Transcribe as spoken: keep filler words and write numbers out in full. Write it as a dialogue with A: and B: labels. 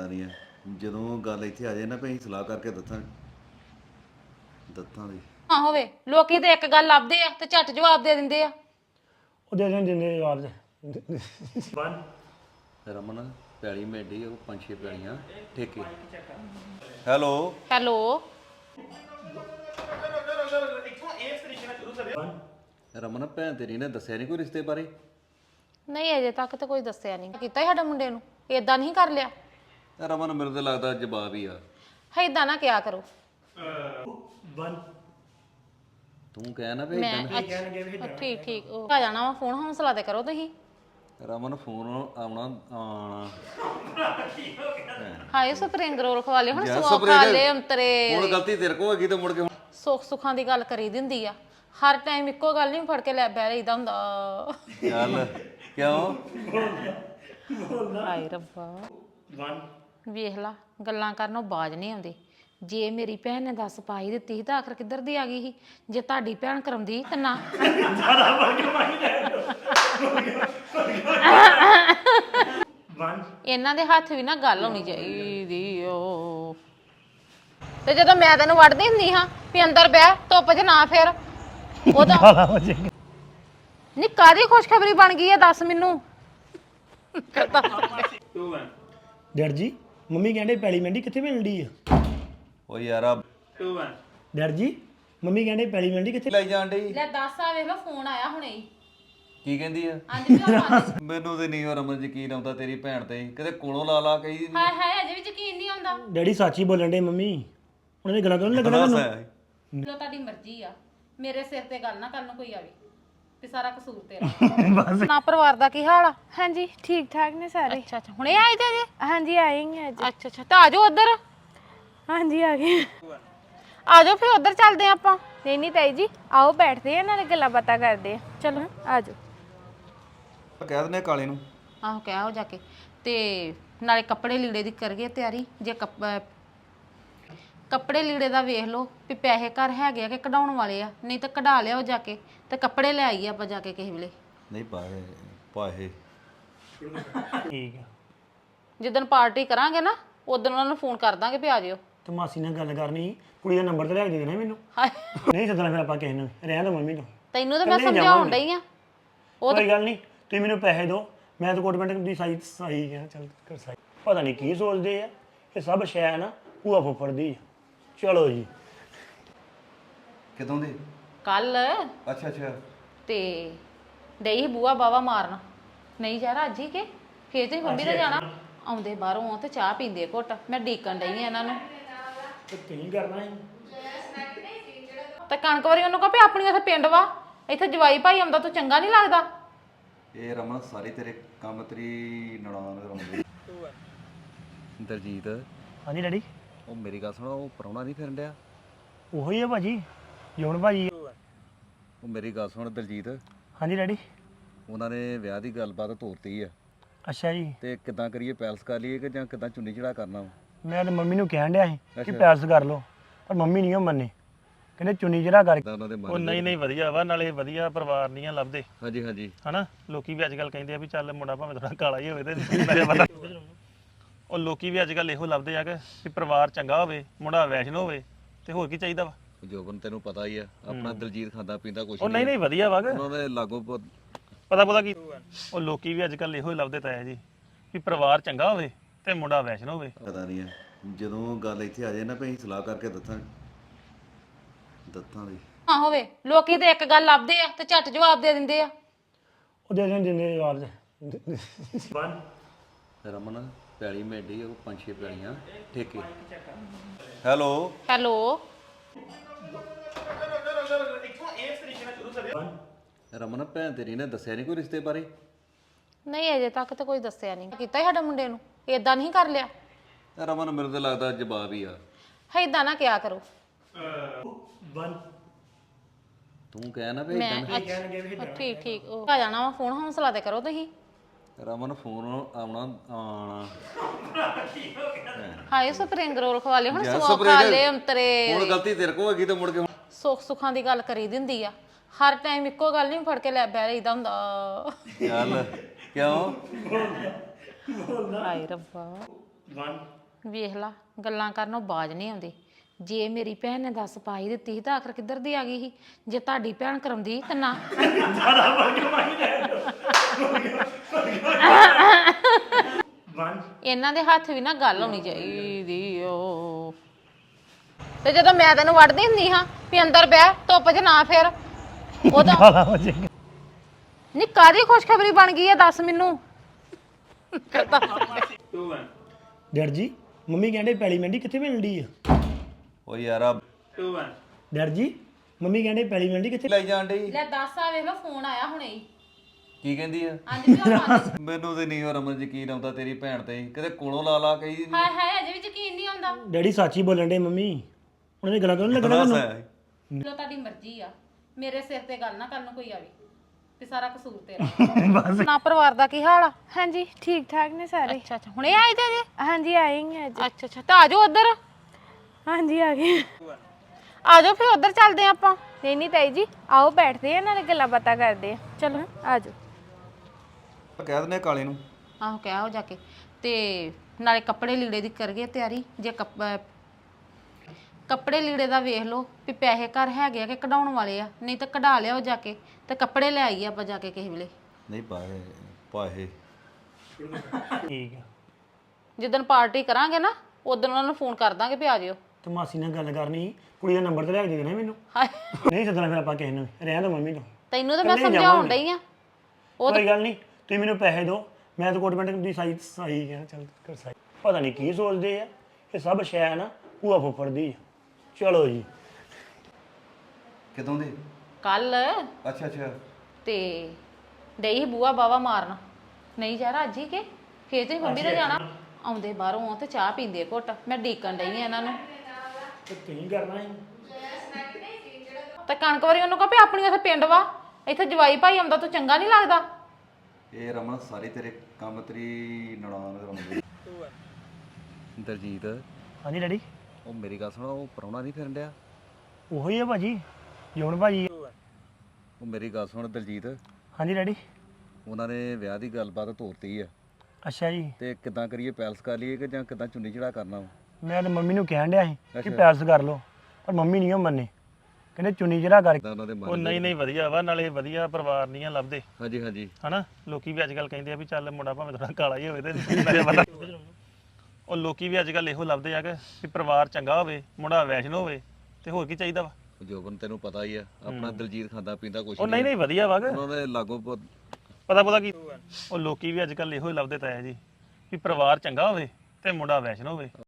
A: ਨਹੀਂ ਹੈ ਜਦੋਂ ਗੱਲ ਇੱਥੇ ਆ ਜਾਏ ਨਾ ਭਈ ਸਲਾਹ ਕਰਕੇ ਦੱਸਾਂ ਦੱਸਾਂ ਦੀ
B: ਹਾਂ ਹੋਵੇ ਲੋਕੀ ਤੇ ਇੱਕ ਗੱਲ ਲੱਭਦੇ ਆ ਤੇ ਝੱਟ ਜਵਾਬ ਦੇ ਦਿੰਦੇ ਆ
C: ਉਹ ਦੇ ਦੇਣ ਦਿੰਦੇ ਜਵਾਬ ਦੇ
A: ਰਮਨ ਪੈਲੀ ਮੇਡੀ ਉਹ ਪੰਜ ਛੇ ਪੈਲੀਆਂ ਠੇਕੇ ਹੈਲੋ
B: ਹੈਲੋ
A: ਰਮਨ ਭੈਣ ਤੇਰੀ ਨੇ ਦੱਸਿਆ ਨਹੀਂ ਕੋਈ ਰਿਸ਼ਤੇ ਬਾਰੇ
B: ਨਹੀਂ ਅਜੇ ਤੱਕ ਤਾਂ ਕੋਈ ਦੱਸਿਆ ਨਹੀਂ ਕੀਤਾ ਹੀ ਸਾਡਾ ਮੁੰਡੇ ਨੂੰ ਏਦਾਂ ਨਹੀਂ ਕਰ ਲਿਆ
A: ਰਮਨ ਮੈਨੂੰ ਤਾਂ ਲੱਗਦਾ ਜਵਾਬ ਹੀ ਆ
B: ਏਦਾਂ ਨਾ ਕਿਆ ਕਰੋ
A: ਤੂੰ ਕਹਿ ਨਾ ਵੀ
B: ਮੈਂ ਅੱਛਾ ਠੀਕ ਠੀਕ ਉਹ ਆ ਜਾਣਾ ਵਾ ਫੋਨ ਹੌਸਲਾ ਤੇ ਕਰੋ ਤੁਸੀਂ
A: ਰਮਨ ਫੋਨ ਆਉਣਾ ਆਣਾ
B: ਹਾਏ ਸਪਰਿੰਗ ਰੋਲ ਖਵਾ ਲਿਓ ਹੁਣ
A: ਯਾਰ
B: ਸਵਾ ਖਾ ਲਏ ਅੰਤਰੇ
A: ਹੁਣ ਗਲਤੀ ਤੇਰੇ ਕੋਲ ਹੈਗੀ ਤੇ ਮੁੜ ਕੇ ਹੁਣ
B: ਸੁੱਖ ਸੁੱਖਾਂ ਦੀ ਗੱਲ ਕਰੀ ਦਿੰਦੀ ਆ ਹਰ ਟਾਈਮ ਇੱਕੋ ਗੱਲ ਨਹੀਂ ਫੜ ਕੇ ਲੈ ਬਹਿ ਰਹੀਦਾ ਹੁੰਦਾ
A: ਚੱਲ ਕਿਉਂ
B: ਹਾਏ ਰੱਬਾ ਵੇਖ ਲਾ ਗੱਲਾਂ ਕਰਨੋਂ ਬਾਜ ਨਹੀਂ ਆਉਂਦੀ ਜੇ ਮੇਰੀ ਭੈਣ ਨੇ ਦੱਸ ਪਾਈ ਦਿੱਤੀ ਸੀ ਤਾਂ ਆਖਰ ਕਿੱਧਰ ਦੀ ਆ ਗਈ ਸੀ ਜੇ ਤੁਹਾਡੀ ਭੈਣ ਕਰਮਦੀ ਤਾਂ ਨਾ ਇਹਨਾਂ ਦੇ ਹੱਥ ਵੀ ਨਾ ਗੱਲ ਹੋਣੀ ਚਾਹੀਦੀ ਓ ਤੇ ਜਦੋਂ ਮੈਂ ਤੈਨੂੰ ਵੜਦੀ ਹੁੰਦੀ ਹਾਂ ਵੀ ਅੰਦਰ ਬਹਿ ਧੁੱਪ 'ਚ ਨਾ ਫਿਰ ਉਹਦਾ ਨੀ ਕਾਦੀ ਖੁਸ਼ਖਬਰੀ ਬਣ ਗਈ ਹੈ ਦੱਸ ਮੈਨੂੰ
C: ਡੈਡ ਜੀ ਮੰਮੀ ਕਹਿੰਦੇ ਪੈਲੀ ਮੰਡੀ ਕਿੱਥੇ ਮਿਲਦੀ ਆ
A: ਓ ਯਾਰਾ
C: ਡੈਡ ਜੀ ਮੰਮੀ ਕਹਿੰਦੇ ਪੈਲੀ ਮੰਡੀ ਕਿੱਥੇ
A: ਲੈ ਜਾਣ ਡਈ
B: ਲੈ ਦੱਸ ਆ ਵੇਖ ਲੋ ਫੋਨ ਆਇਆ ਹੁਣੇ ਹੀ
A: ਕੀ ਕਹਿੰਦੀ ਆ
B: ਹਾਂਜੀ ਵੀ ਉਹ ਬੰਦ।
A: ਮੈਨੂੰ ਤੇ ਨਹੀਂ ਉਹ ਰਮਨ ਯਕੀਨ ਆਉਂਦਾ ਤੇਰੀ ਭੈਣ ਤੇ ਕਿਤੇ ਕੋਲੋਂ ਲਾ ਲਾ ਕਹੀ
B: ਹਾਏ ਹਾਏ ਅਜੇ ਵੀ ਯਕੀਨ ਨਹੀਂ ਆਉਂਦਾ
C: ਡੈਡੀ ਸੱਚ ਹੀ ਬੋਲਣ ਦੇ ਮੰਮੀ ਉਹਨਾਂ ਦੀ ਗੱਲਾਂ ਤੋਂ ਨਹੀਂ ਲੱਗਣਾ ਮੈਨੂੰ
B: ਲੋ ਤੁਹਾਡੀ ਮਰਜ਼ੀ ਆ ਮੇਰੇ ਸਿਰ ਤੇ ਗੱਲ ਨਾ ਕਰਨ ਨੂੰ ਕੋਈ ਆਵੇ ਤੇ ਸਾਰਾ ਕਸੂਰ ਤੇਰਾ ਨਾ ਪਰਿਵਾਰ ਦਾ ਕੀ ਹਾਲ ਆ
D: ਹਾਂਜੀ ਠੀਕ ਠਾਕ ਨੇ ਸਾਰੇ
B: ਅੱਛਾ ਅੱਛਾ ਹੁਣੇ ਆਏ ਤੇ ਜੇ
D: ਹਾਂਜੀ ਆਏਂਗੇ ਅੱਜ
B: ਅੱਛਾ ਅੱਛਾ ਤਾਂ ਆਜੋ ਉਧਰ
D: ਹਾਂਜੀ ਆ ਗਏ
B: ਆਜੋ ਫਿਰ ਉਧਰ ਚੱਲਦੇ ਆ ਆਪਾਂ
D: ਨਹੀਂ ਨਹੀਂ ਤਾਈ ਜੀ ਆਓ ਬੈਠਦੇ ਆ ਨਾਲੇ ਗੱਲਾਂ ਬਾਤਾਂ ਕਰਦੇ ਆ ਚਲੋ ਆਜੋ
A: ਕਹਿ ਦਿੰਦੇ ਕਾਲੇ ਨੂੰ
B: ਆਹੋ ਕਹਿ ਹੋ ਜਾ ਕੇ ਤੇ ਨਾਲੇ ਕੱਪੜੇ ਲੀੜੇ ਦੀ ਕਰੀਏ ਤਿਆਰੀ ਜੇ ਕੱਪ- ਕੱਪੜੇ ਲੀੜੇ ਦਾ ਵੇਖ ਲਓ ਵੀ ਪੈਸੇ ਘਰ ਹੈਗੇ ਆ ਕਿ ਕਢਾਉਣ ਵਾਲੇ ਆ ਨਹੀਂ ਤਾਂ ਕਢਾ ਲਿਆਓ ਜਾ ਕੇ ਤੇ ਕੱਪੜੇ ਲੈ ਆਈਏ ਆਪਾਂ ਜਾ ਕੇ ਕਿਸੇ ਵੇਲੇ
A: ਨਹੀਂ ਪਾਏ ਪਾਏ
C: ਠੀਕ ਆ
B: ਜਿੱਦਣ ਪਾਰਟੀ ਕਰਾਂਗੇ ਨਾ ਉਦੋਂ ਉਹਨਾਂ ਨੂੰ ਫੋਨ ਕਰ ਦਾਂਗੇ ਵੀ ਆ ਜਿਓ
C: ਤੇ ਮਾਸੀ ਨਾਲ ਗੱਲ ਕਰਨੀ ਕੁੜੀ ਦਾ ਨੰਬਰ ਤੇ ਲੈ ਕੇ ਦੇਣਾ ਮੈਨੂੰ
B: ਹਾਏ
C: ਨਹੀਂ ਸੱਦਣਾ ਫਿਰ ਆਪਾਂ ਕਿਸੇ ਨੂੰ ਰਹਿਣ ਦੋ ਮੰਮੀ ਨੂੰ
B: ਤੈਨੂੰ ਤਾਂ ਮੈਂ ਸਮਝਾਉਣ ਡਈ ਆ ਉਹ
C: ਕੋਈ ਗੱਲ ਨਹੀਂ ਤੁਸੀਂ ਮੈਨੂੰ ਪੈਸੇ ਦਿਓ ਮੈਂ ਤਾਂ ਕੋਟਮੈਂਟ ਦੀ ਸਾਈ ਸਾਈ ਕਹਿਣਾ ਚੱਲ ਕਰ ਸਾਈ ਪਤਾ ਨਹੀਂ ਕੀ ਸੋਚਦੇ ਆ ਇਹ ਸਭ ਸ਼ੈ ਨਾ ਭੂਆ ਫੁੱਫੜ ਦੀ ਆ। ਚਲੋ ਜੀ
A: ਕਿਦੋਂ ਦੇ
B: ਕੱਲ
A: ਅੱਛਾ ਅੱਛਾ
B: ਤੇ ਡਈ ਸੀ ਬੂਆ ਬਾਵਾ ਮਾਰਨ ਨਹੀਂ ਯਾਰ ਅੱਜ ਹੀ ਕਿ ਫੇਰ ਤੇ ਮੰਮੀ ਦਾ ਜਾਣਾ ਆਉਂਦੇ ਬਾਹਰੋਂ ਤੇ ਚਾਹ ਪੀਂਦੇ ਆ ਘੁੱਟ ਮੈਂ ਡੀਕਣ ਡਈ ਆ ਇਹਨਾਂ ਨੂੰ
C: ਤੇ ਕੀ ਕਰਨਾ ਹੈ
B: ਤੇ ਕਣਕ ਵਾਰੀ ਉਹਨੂੰ ਕਹੋ ਵੀ ਆਪਣੀ ਉੱਥੇ ਪਿੰਡ ਵਾ ਇੱਥੇ ਜਵਾਈ ਭਾਈ ਆਉਂਦਾ ਤੂੰ ਚੰਗਾ ਨਹੀਂ ਲੱਗਦਾ
A: ਇਹ ਰਮਨ ਸਾਰੇ ਤੇਰੇ ਕੰਮ ਤੇਰੀ ਨਣਾਨ ਕਰਾਉਂਦੇ ਦਰਜੀਤ
C: ਹਾਂਜੀ ਡੈਡੀ
A: ਉਹ ਮੇਰੀ ਗੱਲ ਸੁਣੋ ਉਹ ਪਰੌਣਾ ਨਹੀਂ ਫਿਰਨ ਡਿਆ
C: ਉਹੋ ਹੀ ਆ ਭਾਜੀ ਜੋਨ ਭਾਜੀ
A: ਉਹ ਮੇਰੀ ਗੱਲ ਸੁਣ ਦਲਜੀਤ
C: ਹਾਂਜੀ ਡੈਡੀ
A: ਉਹਨਾਂ ਨੇ ਵਿਆਹ ਦੀ ਗੱਲਬਾਤ ਤੋਰਤੀ ਆ
C: ਅੱਛਾ ਜੀ
A: ਤੇ ਕਿੱਦਾਂ ਕਰੀਏ ਪੈਲਸ ਕਰ ਲਈਏ ਕਿ ਜਾਂ ਕਿੱਦਾਂ ਚੁੰਨੀ ਚੜਾ ਕਰਨਾ ਵਾ?
C: ਮੈਂ ਤੇ ਮੰਮੀ ਨੂੰ ਕਹਿਣ ਡਿਆ ਸੀ ਕਿ ਪੈਲਸ ਕਰ ਲਓ ਪਰ ਮੰਮੀ ਨਹੀਂ ਉਹ ਮੰਨੇ ਕਹਿੰਦੇ ਚੁੰਨੀ ਜਿਹੜਾ ਕਰ
A: ਕਿੱਦਾਂ ਉਹਨਾਂ ਦੇ
E: ਉਹ
A: ਮਨ
E: ਨਹੀਂ ਨਹੀਂ ਵਧੀਆ ਵਾ ਨਾਲੇ ਵਧੀਆ ਪਰਿਵਾਰ ਨਹੀਂ ਆ ਲੱਭਦੇ
A: ਹਾਂਜੀ ਹਾਂਜੀ
E: ਹਨਾ ਲੋਕੀ ਵੀ ਅੱਜ ਕੱਲ ਕਹਿੰਦੇ ਆ ਵੀ ਚੱਲ ਮੁੰਡਾ ਭਾਵੇਂ ਥੋੜਾ ਕਾਲਾ ਹੀ ਹੋਵੇ ਤੇ ਨਾਲੇ ਪਤਾ ਉਹ ਲੋਕੀ ਵੀ ਅੱਜ ਕੱਲ ਇਹੋ ਲੱਭਦੇ ਆ ਕਿ ਵੀ ਪਰਿਵਾਰ ਚੰਗਾ ਹੋਵੇ ਮੁੰਡਾ ਵੈਸ਼ਨੋ ਹੋਵੇ ਤੇ ਹੋਰ ਕੀ ਚਾਹੀਦਾ ਵਾ
A: ਜੋਬਨ ਤੈਨੂੰ ਪਤਾ ਹੀ ਆ ਆਪਣਾ ਦਲਜੀਤ ਖਾਂਦਾ ਪੀਂਦਾ ਕੁਛ
E: ਉਹ ਨਹੀਂ ਨਹੀਂ ਵਧੀਆ ਵਾ ਕਿ
A: ਉਹਨਾਂ ਦੇ ਲਾਗੋਂ ਪ-
E: ਪਤਾ ਪਤਾ ਕੀ ਉਹ ਲੋਕੀ ਵੀ ਅੱਜ ਕੱਲ ਇਹੋ ਹੀ ਲੱਭਦੇ ਤਾਇਆ ਜੀ ਵੀ ਪਰਿਵਾਰ ਚੰਗਾ ਹੋਵੇ ਤੇ ਮੁੰਡਾ ਵੈਸ਼ਨੋ ਹੋਵੇ
A: ਪਤਾ ਨਹੀਂ ਹੈ ਜਦੋਂ ਗੱਲ ਇੱਥੇ ਆ ਜਾਏ ਨਾ ਭਈ ਸਲਾਹ ਕਰਕੇ ਦੱਸਾਂ ਦੱਸਾਂ ਦੀ
B: ਹਾਂ ਹੋਵੇ ਲੋਕੀ ਤੇ ਇੱਕ ਗੱਲ ਲੱਭਦੇ ਆ ਤੇ ਝੱਟ ਜਵਾਬ ਦੇ ਦਿੰਦੇ ਆ
C: ਉਹ ਦੇ ਦੇਣ ਦਿੰਦੇ ਜਵਾਬ ਦੇ
A: ਰਮਨ ਪੈਲੀ ਮੇਡੀ ਉਹ ਪੰਜ ਛੇ ਪੈਲੀਆਂ ਠੇਕੇ ਹੈਲੋ
B: ਹੈਲੋ
A: ਰਮਨ ਭੈਣ ਤੇਰੀ ਨੇ ਦੱਸਿਆ ਨਹੀਂ ਕੋਈ ਰਿਸ਼ਤੇ ਬਾਰੇ
B: ਨਹੀਂ ਅਜੇ ਤੱਕ ਤਾਂ ਕੋਈ ਦੱਸਿਆ ਨਹੀਂ ਕੀਤਾ ਹੀ ਸਾਡਾ ਮੁੰਡੇ ਨੂੰ ਏਦਾਂ ਨਹੀਂ ਕਰ ਲਿਆ
A: ਰਮਨ ਮੈਨੂੰ ਤਾਂ ਲੱਗਦਾ ਜਵਾਬ ਹੀ ਆ
B: ਏਦਾਂ ਨਾ ਕਿਆ ਕਰੋ
A: ਤੂੰ ਕਹਿ ਨਾ ਵੀ
B: ਮੈਂ ਅੱਛਾ ਠੀਕ ਠੀਕ ਉਹ ਆ ਜਾਣਾ ਵਾ ਫੋਨ ਹੌਸਲਾ ਤੇ ਕਰੋ ਤੁਸੀਂ
A: ਰਮਨ ਫੋਨ ਆਉਣਾ ਆਣਾ
B: ਹਾਏ ਸਪਰਿੰਗ ਰੋਲ ਖਵਾ ਲਿਓ ਹੁਣ
A: ਯਾਰ
B: ਸਵਾ ਖਾ ਲਏ ਅੰਤਰੇ
A: ਹੁਣ ਗਲਤੀ ਤੇਰੇ ਕੋਲ ਹੈਗੀ ਤੇ ਮੁੜ ਕੇ ਹੁਣ
B: ਸੁੱਖ ਸੁੱਖਾਂ ਦੀ ਗੱਲ ਕਰੀ ਦਿੰਦੀ ਆ ਹਰ ਟਾਈਮ ਇੱਕੋ ਗੱਲ ਨਹੀਂ ਫੜ ਕੇ ਲੈ ਬਹਿ ਰਹੀਦਾ ਹੁੰਦਾ
A: ਚੱਲ ਕਿਉਂ
B: ਹਾਏ ਰੱਬਾ ਵੇਖ ਲਾ ਗੱਲਾਂ ਕਰਨੋਂ ਬਾਜ ਨਹੀਂ ਆਉਂਦੀ। ਜੇ ਮੇਰੀ ਭੈਣ ਨੇ ਦੱਸ ਪਾਈ ਦਿੱਤੀ ਸੀ ਤਾਂ ਆਖਰ ਕਿੱਧਰ ਦੀ ਆ ਗਈ ਸੀ? ਜੇ ਤੁਹਾਡੀ ਭੈਣ ਕਰਾਉਂਦੀ ਤਾਂ ਨਾ। ਇਹਨਾਂ ਦੇ ਹੱਥ ਵੀ ਨਾ ਗੱਲ ਹੋਣੀ ਚਾਹੀਦੀ ਓ। ਤੇ ਜਦੋਂ ਮੈਂ ਤੈਨੂੰ ਵੜਦੀ ਹੁੰਦੀ ਹਾਂ ਵੀ ਅੰਦਰ ਬਹਿ ਧੁੱਪ 'ਚ ਨਾ ਫਿਰ ਉਦੋਂ ਨੀ ਕਾਹਦੀ ਖੁਸ਼ਖਬਰੀ ਬਣ ਗਈ ਹੈ ਦੱਸ ਮੈਨੂੰ।
C: ਡੈਡ ਜੀ ਮੰਮੀ ਕਹਿੰਦੇ ਪੈਲੀ ਮੰਡੀ ਕਿੱਥੇ ਮਿਲਦੀ ਆ?
A: ਓ ਯਾਰ ਆ
C: ਡੈਡ ਜੀ ਮੰਮੀ ਕਹਿੰਦੇ ਪੈਲੀ ਮੰਡੀ ਕਿੱਥੇ
A: ਲੈ ਜਾਣ ਡਈ
B: ਲੈ ਦੱਸ ਆ ਵੇਖ ਲੋ ਫੋਨ ਆਇਆ ਹੁਣੇ ਹੀ।
A: ਕੀ ਕਹਿੰਦੀ ਆ?
B: ਅੱਜ ਵੀ ਉਹ ਮੰਨ-
A: ਮੈਨੂੰ ਤੇ ਨਹੀਂ ਰਮਨ ਯਕੀਨ ਆਉਂਦਾ ਤੇਰੀ ਭੈਣ ਤੇ ਕਿਤੇ ਕੋਲੋਂ ਲਾ ਲਾ ਕਹੀ
B: ਹਾਏ ਹਾਏ ਅਜੇ ਵੀ ਯਕੀਨ ਨਹੀਂ ਆਉਂਦਾ।
C: ਡੈਡੀ ਸੱਚੀ ਬੋਲਣ ਦੇ ਮੰਮੀ ਉਹਨਾਂ ਦੀ ਗੱਲਾਂ ਕਿਉਂ ਨੀ ਲੱਗਣਾ
A: ਦੱਸ
C: ਤੁਹਾਨੂੰ?
B: ਲੋ ਤੁਹਾਡੀ ਮਰਜ਼ੀ ਆ ਮੇਰੇ ਸਿਰ ਤੇ ਗੱਲ ਨਾ ਕਰਨ ਨੂੰ ਕੋਈ ਆਵੇ ਤੇ ਸਾਰਾ ਕਸੂਰ ਤੇਰਾ। ਨਾ ਪਰਿਵਾਰ ਦਾ ਕੀ ਹਾਲ ਆ?
D: ਹਾਂਜੀ ਠੀਕ ਠਾਕ ਨੇ ਸਾਰੇ
B: ਅੱਛਾ ਅੱਛਾ ਹੁਣੇ ਆਏ ਤੇ ਜੇ?
D: ਹਾਂਜੀ ਆਏਂਗੇ ਅੱਜ
B: ਅੱਛਾ ਅੱਛਾ ਤਾਂ ਆਜੋ ਉਧਰ
D: ਹਾਂਜੀ ਆ ਗਏ
B: ਆਜੋ ਫਿਰ ਉਧਰ ਚੱਲਦੇ ਆ ਆਪਾਂ।
D: ਨਹੀਂ ਨਹੀਂ ਤਾਈ ਜੀ ਆਓ ਬੈਠਦੇ ਆ ਨਾਲੇ ਗੱਲਾਂ ਬਾਤਾਂ ਕਰਦੇ ਆ ਚਲੋ ਆ ਜਾਓ
A: ਕਹਿ ਦਿੰਦੇ ਆ ਕਾਲੇ ਨੂੰ।
B: ਆਹੋ ਕਹਿ ਹੋ ਜਾ ਕੇ ਤੇ ਨਾਲੇ ਕੱਪੜੇ ਲੀੜੇ ਦੀ ਕਰੀਏ ਤਿਆਰੀ। ਜੇ ਕੱਪ- ਅਹ ਕੱਪੜੇ ਲੀੜੇ ਦਾ ਵੇਖ ਲਓ ਵੀ ਪੈਸੇ ਘਰ ਹੈਗੇ ਆ ਕਿ ਕਢਾਉਣ ਵਾਲੇ ਆ, ਨਹੀਂ ਤਾਂ ਕਢਾ ਲਿਆਓ ਜਾ ਕੇ ਤੇ ਕੱਪੜੇ ਲੈ ਆਈਏ ਆਪਾਂ ਜਾ ਕੇ ਕਿਸੇ ਵੇਲੇ।
A: ਨਹੀਂ ਪਾਏ ਪਾਏ
C: ਠੀਕ ਆ
B: ਜਿੱਦਣ ਪਾਰਟੀ ਕਰਾਂਗੇ ਨਾ ਉਦੋਂ ਉਹਨਾਂ ਨੂੰ ਫੋਨ ਕਰ ਦਾਂਗੇ ਵੀ ਆ ਜਿਓ।
C: ਤੇ ਮਾਸੀ ਨਾਲ ਗੱਲ ਕਰਨੀ ਸੀ, ਕੁੜੀ ਦਾ ਨੰਬਰ ਤੇ ਲੈ ਕੇ ਦੇ ਦੇਣਾ ਮੈਨੂੰ।
B: ਹਾਏ
C: ਨਹੀਂ ਸੱਦਣਾ ਫਿਰ ਆਪਾਂ ਕਿਸੇ ਨੂੰ, ਰਹਿਣ ਦੋ ਮੰਮੀ ਨੂੰ।
B: ਤੈਨੂੰ ਤਾਂ ਮੈਂ
C: ਇਕੱਲੇ
B: ਸਮਝਾਉਣ
C: ਜਾਵਾਂਗੇ।
B: ਡਈ ਆ। ਉਹ
C: ਕੋਈ ਗੱਲ ਨਹੀਂ ਤੁਸੀਂ ਮੈਨੂੰ ਪੈਸੇ ਦਿਓ ਮੈਂ ਤਾਂ ਕੋਟ ਪੈਂਟ ਦੀ ਸਾਈਜ਼ ਸਹੀ ਕਹਿਣਾ ਚੱਲ ਕਰ ਸਾਈ। ਪਤਾ ਨਹੀਂ ਕੀ ਸੋਚਦੇ ਆ ਇਹ ਸਭ ਸ਼ੈ ਨਾ ਭੂਆ ਫੁੱਫੜ ਦੀ ਆ। ਚਲੋ ਜੀ
A: ਕਿਦੋਂ ਦੇ?
B: ਕੱਲ
A: ਅੱਛਾ ਅੱਛਾ
B: ਤੇ ਡਈ ਸੀ ਬੂਆ ਬਾਵਾ ਮਾਰਨ। ਨਹੀਂ ਯਾਰ ਅੱਜ ਹੀ ਕਿ ਫੇਰ ਤੇ ਮੰਮੀ ਨੇ ਜਾਣਾ ਆਉਂਦੇ ਬਾਹਰੋਂ ਤੇ ਚਾਹ ਪੀਂਦੇ ਘੁੱਟ। ਮੈਂ ਡੀਕਣ ਡਈ ਆ ਇਹਨਾਂ ਨੂੰ
C: ਤੇ ਤੁਸੀਂ ਕਰਨਾ ਹੈ
B: ਤੇ ਕਣਕ ਵਾਰੀ ਉਹਨੂੰ ਕਹੋ ਵੀ ਆਪਣੀ ਉੱਥੇ ਪਿੰਡ ਵਾ ਇੱਥੇ ਜਵਾਈ ਭਾਈ ਆਉਂਦਾ ਤੂੰ ਚੰਗਾ ਨਹੀਂ ਲੱਗਦਾ।
A: ਇਹ ਰਮਨ ਸਾਰੀ ਤੇਰੇ ਕੰਮ ਤੇਰੀ ਨਣਾਨ ਰਮਨ ਦੀ ਦਲਜੀਤ
C: ਹਾਂਜੀ ਡੈਡੀ
A: ਉਹ ਮੇਰੀ ਗੱਲ ਸੁਣ ਉਹ ਪ੍ਰਾਹੁਣਾ ਨਹੀਂ ਫਿਰਨ ਡਿਆ?
C: ਉਹੀ ਆ ਭਾਜੀ ਜੋਨ ਭਾਜੀ।
A: ਉਹ ਮੇਰੀ ਗੱਲ ਸੁਣ ਦਲਜੀਤ
C: ਹਾਂਜੀ ਡੈਡੀ
A: ਉਹਨਾਂ ਨੇ ਵਿਆਹ ਦੀ ਗੱਲਬਾਤ ਤੋਰਤੀ ਆ
C: ਅੱਛਾ ਜੀ
A: ਤੇ ਕਿੱਦਾਂ ਕਰੀਏ ਪੈਲਸ ਕਰ ਲਈਏ ਕਿ ਜਾਂ ਕਿੱਦਾਂ ਚੁੰਨੀ ਚੜਾ ਕਰਨਾ ਵਾ?
C: ਮੈਂ ਤੇ ਮੰਮੀ ਨੂੰ ਕਹਿਣ ਡਿਆ ਸੀ ਕਿ
A: ਅੱਛਾ।
C: ਪੈਲਸ ਕਰ ਲਓ ਪਰ ਮੰਮੀ ਨਹੀਂ ਉਹ ਮੰਨੇ ਕਹਿੰਦੇ ਚੁੰਨੀ ਜਿਹੜਾ ਕਰ
A: ਕਿੱਦਾਂ ਉਹਨਾਂ ਦੇ
E: ਉਹ
A: ਮਨ
E: ਨਹੀਂ ਨਹੀਂ ਵਧੀਆ ਵਾ ਨਾਲੇ ਵਧੀਆ ਪਰਿਵਾਰ ਨਹੀਂ ਆ ਲੱਭਦੇ
A: ਹਾਂਜੀ ਹਾਂਜੀ
E: ਹਨਾ। ਲੋਕੀ ਵੀ ਅੱਜ ਕੱਲ ਕਹਿੰਦੇ ਆ ਵੀ ਚੱਲ ਮੁੰਡਾ ਭਾਵੇਂ ਥੋੜਾ ਕਾਲਾ ਹੀ ਹੋਵੇ ਤੇ ਮੇਰੇ ਪਤਾ ਉਹ ਲੋਕੀ ਵੀ ਅੱਜ ਕੱਲ ਇਹੋ ਲੱਭਦੇ ਆ ਕਿ ਵੀ ਪਰਿਵਾਰ ਚੰਗਾ ਹੋਵੇ ਮੁੰਡਾ ਵੈਸ਼ਨ ਹੋਵੇ ਤੇ ਹੋਰ ਕੀ ਚਾਹੀਦਾ ਵਾ।
A: ਜੋਬਨ ਤੈਨੂੰ ਪਤਾ ਹੀ ਆ ਆਪਣਾ ਦਲਜੀਤ ਖਾਂਦਾ ਪੀਂਦਾ ਕੁਛ
E: ਉਹ ਨਹੀਂ ਨਹੀਂ ਵਧੀਆ ਵਾ ਕਿ
A: ਉਹਨਾਂ ਦੇ ਲਾਗੋਂ ਪ-
E: ਪਤਾ ਪਤਾ ਕੀ ਉਹ ਲੋਕੀ ਵੀ ਅੱਜ ਕੱਲ ਇਹੋ ਹੀ ਲੱਭਦੇ ਤਾਂ ਹੈ ਜੀ ਵੀ ਪਰਿਵਾਰ ਚੰਗਾ ਹੋਵੇ ਤੇ ਮੁੰਡਾ ਵੈਸ਼ਨ ਹੋਵੇ।